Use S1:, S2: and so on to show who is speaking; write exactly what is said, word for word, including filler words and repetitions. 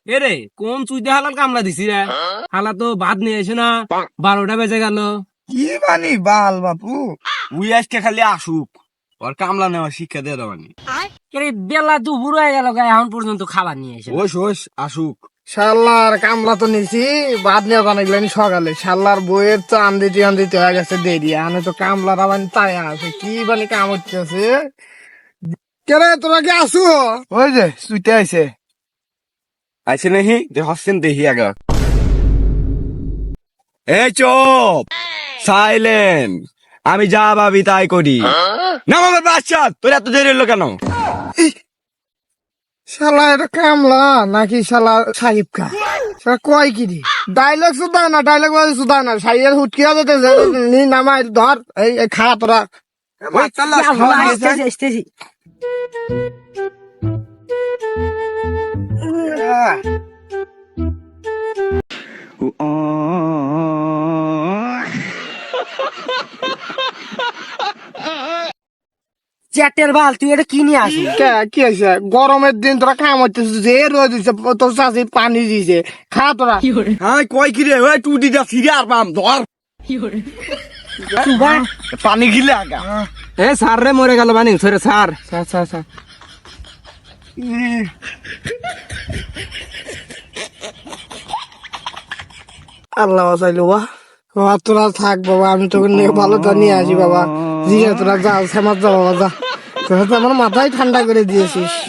S1: এরে কোন চুইতে হালাল কামলা দিছি রে? হালা তো ভাত নিয়ে এসে না, বারোটা বেজে গেল।
S2: কি বানি বাল বাপু?
S3: উই আজকে খালি আসুক, ওর কামলা নেওয়া শিক্ষা দিয়ে দেওয়ানি।
S1: বেলা দুপুর হয়ে গেল, এখন পর্যন্ত খাবার নিয়ে এসে।
S3: ওস ওস আসুক।
S2: শালার কামলা তো নিছি, বাদ নিয়ে জানাইলেন সকালে। শালার বইয়ের চান দিতে আন দিতে হয়ে গেছে দেরি, আনে তো কামলার আবার তাই আছে। কি বানি কাম হচ্ছে? কেরে তোরা কি আসু? ওই যে সুইতে আইছে।
S3: আইছে নাহি যে হসছেন দেখি আগে। এই চুপ, সাইলেন্ট। আমি যা ভাবি তাই করি। নাম আমার বাচ্চা, তোর এত দেরি হলো কেন?
S2: শালা এটা কামলা নাকি শালা সাহিব খা? শালা কয় কি দি ডায়লগ শুধা না, ডায়লগ বাজে শুধা না। সাইয়ের হুটকিয়া যেতে নি নামাই ধর, এই এই খা তোরা।
S3: ওই চাল্লা, খাওয়া দিয়েছে।
S1: আসতেছি, আসতেছি। চ্যাটের বাল, তুই এটা কি নিয়ে আসিস?
S2: কে কি হয়েছে? গরমের দিন তোরা কাম হচ্ছে, যে রোদ দিচ্ছে তোর চাষি পানি দিছে, খা তোরা।
S3: হ্যাঁ কয় কি রে? ওই টুটি যা ফিরে আর পাম ধর। পানি গিলে আগা।
S1: এ সার রে, মরে গেল বানি সরে সার।
S2: আচ্ছা আচ্ছা আল্লাহ বাঁচাইলো বা। বাবা তোরা থাক বাবা, আমি তোকে নিয়ে ভালো তা নিয়ে আসি বাবা। জি তোরা যা, সমাজ যা বাবা, যা। তোরা তো আমার মাথায় ঠান্ডা করে দিয়েছিস।